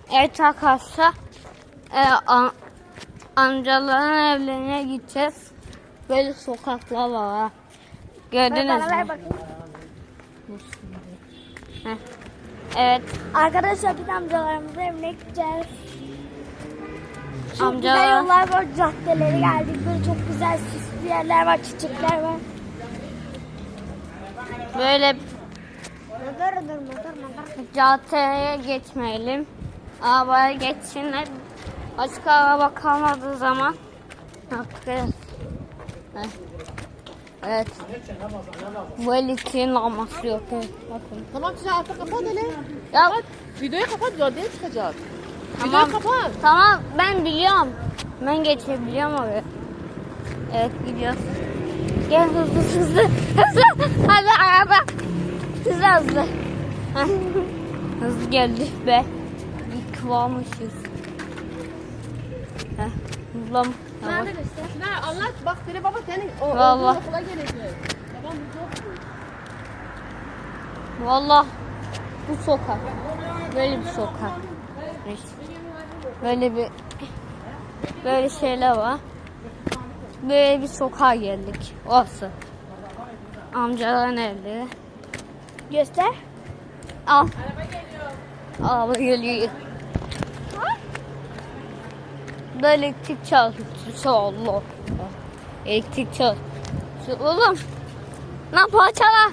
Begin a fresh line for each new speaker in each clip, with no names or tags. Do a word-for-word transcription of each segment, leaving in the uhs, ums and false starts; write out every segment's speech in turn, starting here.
Evet arkadaşlar, e, am amcaların evlerine gideceğiz. Böyle sokaklar var ha. Gördünüz
Bana ver
mü?
bakayım.
Heh. Evet.
Arkadaşlar biz amcalarımızın evine gideceğiz. Çok
Amca-
güzel yollar var, caddeleri geldik. Böyle çok güzel süslü yerler var, çiçekler var.
Böyle
Mıdır mıdır mıdır mıdır.
caddeye geçmeyelim. Arabaya geçsinler. Açık araba kalmadığı zaman yapacağız. Evet. Evet. Bu elektriğin lambası yok. Evet. Bakın.
Tamam sen artık kapat hele.
Ya
Videoyu kapat, zor çıkacak.
tamam.
Videoyu kapat.
Tamam, ben biliyorum. Ben geçebiliyorum oraya. Evet, gidiyoruz. Gel hızlı hızlı hızlı. Hadi araba. Hızlı hızlı. Heh. Hızlı geldik be. Yıkılmışız. Heh. Hızlı.
Bana da göster.
Ne anlat bak seni baba senin o
Vallahi.
olduğun okula gelecek. Babam burada okuyor.
Vallahi bu sokak. Böyle bir sokak. İşte. Böyle bir böyle şeyler var. Böyle bir sokağa geldik. Orası. Amcaların evleri.
Göster.
Al. Araba geliyor. Da elektrik çalışıyor. Allah. Elektrik çalışıyor. Oğlum. Ne parçalar?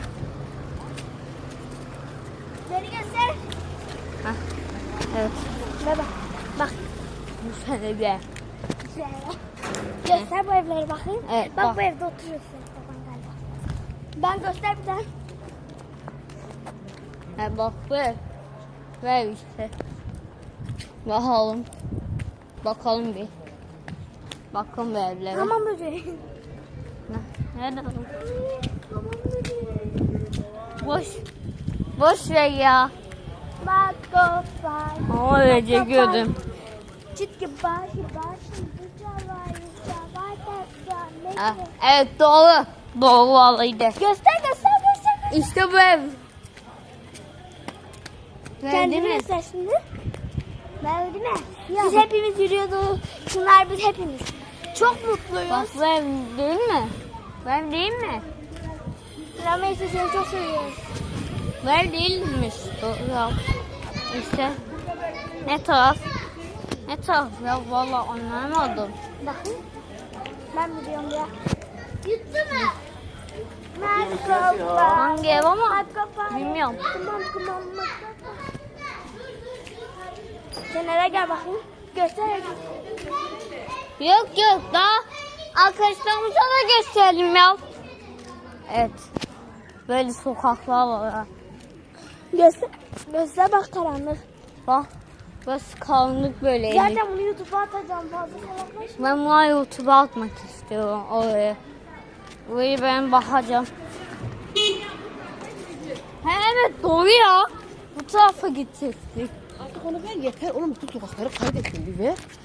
Beni göster.
Heh. Evet.
Baba. Bak.
Bu sene de.
Güzel. Göster bu evleri bakayım.
Evet,
bak,
bak.
bu evde oturuyorsun baban galiba. Ben göster bir daha.
Ha, bak ver. Ver işte. Bakalım. Bakalım bir. Bakın bu evlere.
Tamam böceğim.
Ne- Nerede?
Tamam böceğim.
Boş. Boş ver ya.
Bak kafay.
Ama öylece gördüm.
Çitki başı başı. Cavay cavay cavay.
Ha, evet doğru. Doğru vallahi de.
Göster göster göster.
İşte bu ev.
Kendini
mi?
göster şimdi. Ben değil mi? Biz hepimiz yürüyorduk. Şunlar biz hepimiz. Çok mutluyuz.
Bak bu ev değil mi? Bu ev değil mi?
Rameys'i seni çok seviyoruz.
Bu ev değilmiş. Doğru. İşte. Ne taraf? Ne taraf ya? Vallahi anlamadım.
Bakın. Ben biliyorum ya. Yuttu mu? Merhaba.
Hangi ev ama?
Merhaba.
Bilmiyorum.
Tamam tamam. Sen nereye gel bakayım. Göster.
Yok yok daha arkadaşlarımıza da gösterelim ya. Evet. Böyle sokaklar var. ha.
Göster. Göster bak karanlık.
Bak. Burası karanlık böyle.
Zaten bunu YouTube'a atacağım fazla salaklaşma.
Ben bunu YouTube'a atmak istiyorum oraya. Burayı ben bakacağım. He, evet doğru ya. Bu tarafa gidecektik.
Artık onu ver yeter. Oğlum bütün sokakları kaydettin bir ver.